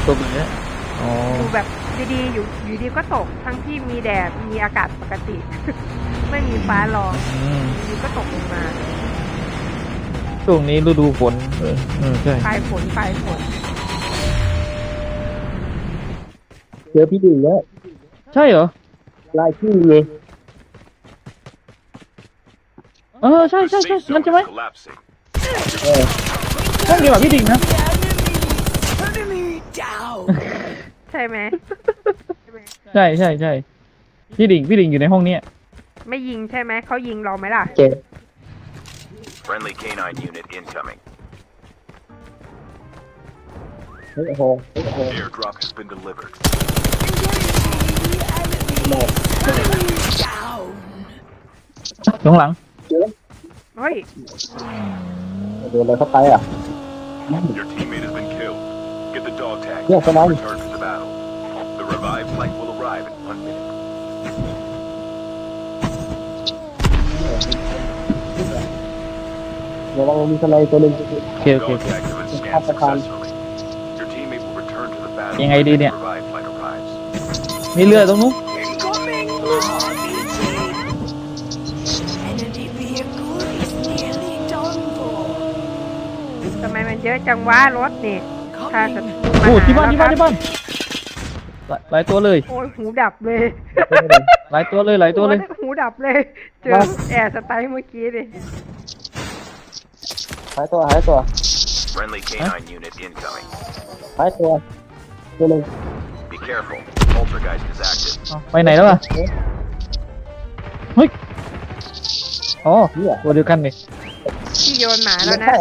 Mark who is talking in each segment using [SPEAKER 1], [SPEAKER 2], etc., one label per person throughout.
[SPEAKER 1] ตกอย่างเงี้ยอ๋อ
[SPEAKER 2] อยู่แบบดีๆอยู่ดีก็ตกทั้งที่มีแดดมีอากาศปกติ ไม่มีฟ้าร้องอยู่ก็ตกลงมา
[SPEAKER 1] ช่วงนี้ฤดูฝนใช่
[SPEAKER 2] ปลายฝน
[SPEAKER 3] เจอพี่ดิ่งแล้ว
[SPEAKER 1] ใช่เหรอ
[SPEAKER 3] ลายชื่อเลย
[SPEAKER 1] ใช่นั่นใช่ไหม
[SPEAKER 3] เออ
[SPEAKER 1] ห้องเดียวกับพี่ดิ่งนะ
[SPEAKER 2] ใช่ไหม
[SPEAKER 1] ใช่พี่ดิ่งอยู่ในห้องเนี้ย
[SPEAKER 2] ไม่ยิงใช่ไหมเขายิงเราไหมล่ะ
[SPEAKER 3] เจ็บ
[SPEAKER 4] Friendly canine unit incoming.
[SPEAKER 3] โอ้โห
[SPEAKER 4] Airdrop has been delivered.
[SPEAKER 1] ข้างหลัง
[SPEAKER 2] เฮ้ย
[SPEAKER 3] โดนอะไรเข้าไปอ่ะ
[SPEAKER 4] Your teammate has been killed. Get the dog tag
[SPEAKER 3] Yeah, come on.
[SPEAKER 4] and return to the battle. The revived flight will arrive in 1 minute.
[SPEAKER 3] ระวังมีอะไรตัวหนึ่ง
[SPEAKER 1] โอเค
[SPEAKER 4] Dog tags have been scanned successfully. Your teammate will return to the battle
[SPEAKER 1] ยังไงดีเนี่ย
[SPEAKER 4] when the revived flight arrives.
[SPEAKER 1] มีเรือตรงนู้น
[SPEAKER 5] Enemy vehicle is nearly done for.
[SPEAKER 2] ทำไมมันเยอะจังวะรถนี่ถ้าจะ
[SPEAKER 1] โอ้ที่บ้านหลายตัวเลย
[SPEAKER 2] โอ้ยหูดับเลย
[SPEAKER 1] หลายตัวเลย
[SPEAKER 2] หูดับเลย เจอแอร์สไตล์เมื่อกี้ดิ
[SPEAKER 3] หายตัว
[SPEAKER 4] Friendly canine unit incoming.
[SPEAKER 3] หายตัวตัวหนึ่ง
[SPEAKER 4] Be careful. Poltergeist is active.
[SPEAKER 1] ไปไหนแล้วอ่ะเฮ้ยอ๋อตัวเดียวกันนี่
[SPEAKER 2] ที่โยนหมาแล้วนะ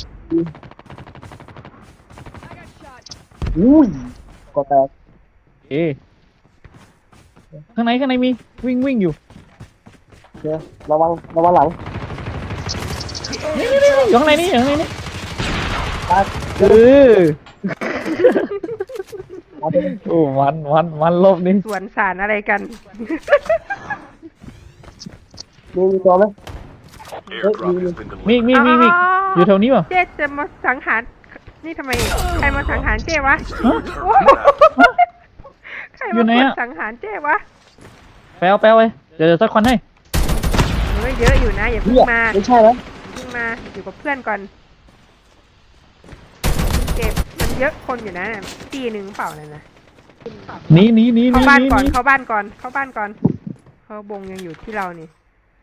[SPEAKER 3] อุ้ยก็แตก
[SPEAKER 1] เอ๊ข้างในมีวิ่งอยู่
[SPEAKER 3] เจอระวังหลัง
[SPEAKER 1] นี่อยู่ข้างในนี่
[SPEAKER 3] ตาย
[SPEAKER 1] เออโอ้มันลบนี่
[SPEAKER 2] สวนสารอะไรกัน
[SPEAKER 3] มีตัวไหม
[SPEAKER 4] Airdrop has been
[SPEAKER 1] มี
[SPEAKER 4] delivered.
[SPEAKER 1] อยู่แถวนี้ป่ะ
[SPEAKER 2] เจ๊จะมาสังหาร นี่ทำไม ใครมาสังหารเจ๊วะ
[SPEAKER 1] ฮะ
[SPEAKER 2] โอ้โหใคร
[SPEAKER 1] อยู่
[SPEAKER 2] มา
[SPEAKER 1] ไหน
[SPEAKER 2] กด
[SPEAKER 1] อะ
[SPEAKER 2] สังหารเจ๊วะ
[SPEAKER 1] แปลไปเดี๋ยวสักคนให้
[SPEAKER 2] เฮ้ยเยอะอยู่นะอย่าเพิ่งมา
[SPEAKER 3] ไม่ใช่ไหม
[SPEAKER 2] เพิ่งมาอยู่กับเพื่อนก่อนเก็บมันเยอะคนอยู่นะตีหนึ่งเปล่าเลยนะ
[SPEAKER 1] หนี
[SPEAKER 2] เข้าบ้านก่อนเขาบงยังอยู่ที่เรานี่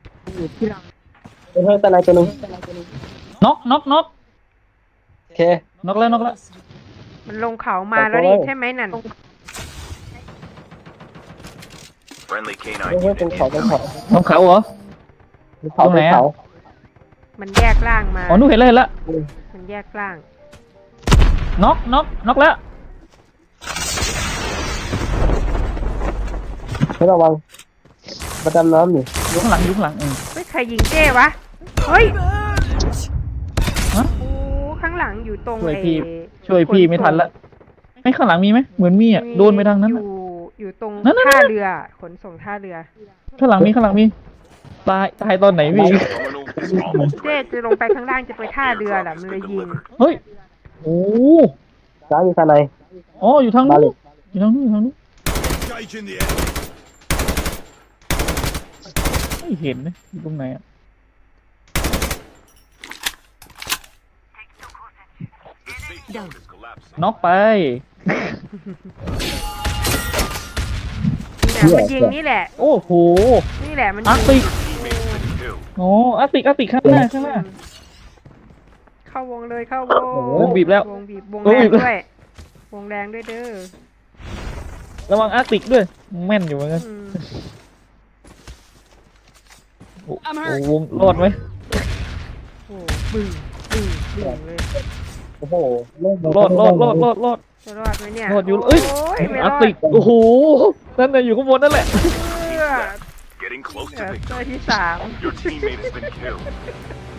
[SPEAKER 3] เป็นเพื่อนแต่ไหนตัวหนึ่ง
[SPEAKER 1] น็อก
[SPEAKER 3] โอเค
[SPEAKER 1] น็อกแล้ว
[SPEAKER 2] มันลงเขามาแล้วนี่ใช่ไหมนั่น
[SPEAKER 4] Friendly
[SPEAKER 3] เพื่
[SPEAKER 4] canine
[SPEAKER 3] อน
[SPEAKER 4] unit
[SPEAKER 3] เป็นเขา
[SPEAKER 4] incoming.
[SPEAKER 1] น้องเขาเหรอ
[SPEAKER 3] ตรงไหน
[SPEAKER 2] มันแยกร่างมา
[SPEAKER 1] อ๋อนู่นเห็นแล้ว
[SPEAKER 2] มันแยกร่าง
[SPEAKER 1] น็อกแล้ว
[SPEAKER 3] ให้ระวังประจำน้ำอยู่
[SPEAKER 1] อยู่ข้างหลัง
[SPEAKER 2] เฮ้ยใครยิงเจ้วะเฮ้ย
[SPEAKER 1] ฮะ
[SPEAKER 2] โอ้ข้างหลังอยู่ตรง
[SPEAKER 1] ช่วยพี่ไม่ทันละไม่ข้างหลังมีไหมเหมือนมีอ่ะโดนไปทางนั้น
[SPEAKER 2] อยู่ตรง
[SPEAKER 1] นั่น
[SPEAKER 2] ท่าเรือขนส่งท่าเรือ
[SPEAKER 1] ข้างหลังมีตายตอนไหนพี่
[SPEAKER 4] Terminal is almost
[SPEAKER 2] เจ๊
[SPEAKER 4] ready.
[SPEAKER 2] จะลงไปข้างล่างจะไปท่าเรือแหละ
[SPEAKER 4] Airdrop
[SPEAKER 2] มัน
[SPEAKER 4] has
[SPEAKER 2] เลย
[SPEAKER 4] been
[SPEAKER 2] ยิง
[SPEAKER 4] delivered.
[SPEAKER 1] เฮ้ยโอ้
[SPEAKER 3] ซ้ายมีข้างใน
[SPEAKER 1] อ๋ออยู่ทางนู้น
[SPEAKER 4] Engaging the enemy.
[SPEAKER 1] ไม่เห็นนะอยู่ตรงไหนอ่ะ
[SPEAKER 4] The safe zone is collapsing.
[SPEAKER 1] น็อกไป
[SPEAKER 2] นี่แหละมันยิงนี่แหละ
[SPEAKER 1] โอ้โห
[SPEAKER 2] นี่แหละมัน
[SPEAKER 1] อา
[SPEAKER 2] ยิ
[SPEAKER 1] ร์
[SPEAKER 2] ง
[SPEAKER 1] ติก
[SPEAKER 4] Teammate has been killed.
[SPEAKER 1] โอ้อาร์ติกข้างหน้า
[SPEAKER 2] เข้าวงเลยเข้าวง
[SPEAKER 1] วงบีบแล้ว
[SPEAKER 2] วงบีบวง
[SPEAKER 1] วง
[SPEAKER 2] แร
[SPEAKER 1] บี
[SPEAKER 2] ง
[SPEAKER 1] บแล้ว
[SPEAKER 2] ด้วยวงแรงด้วยเด้อ
[SPEAKER 1] ระวังอาร์ติกด้วยแม่นอยู่เหมือนกัน
[SPEAKER 2] อืม
[SPEAKER 1] โอ้วงรอดไหม
[SPEAKER 2] โอ้บึ้งเลย
[SPEAKER 3] โอ้โห
[SPEAKER 1] รอด
[SPEAKER 2] จะรอดไหมเนี่ย
[SPEAKER 1] รอดอยู่เอ้ย
[SPEAKER 2] โไม่ร
[SPEAKER 1] อา
[SPEAKER 2] อ
[SPEAKER 1] ร์
[SPEAKER 2] ด
[SPEAKER 1] ติกโอ้โหนั่นน่ะอยู่ข้างบนนั่นแหละ
[SPEAKER 2] เพื่อ
[SPEAKER 4] Getting close
[SPEAKER 2] เอ
[SPEAKER 4] to
[SPEAKER 2] อ
[SPEAKER 4] victory.
[SPEAKER 2] ตัวที่สาม
[SPEAKER 4] Your teammate has been killed.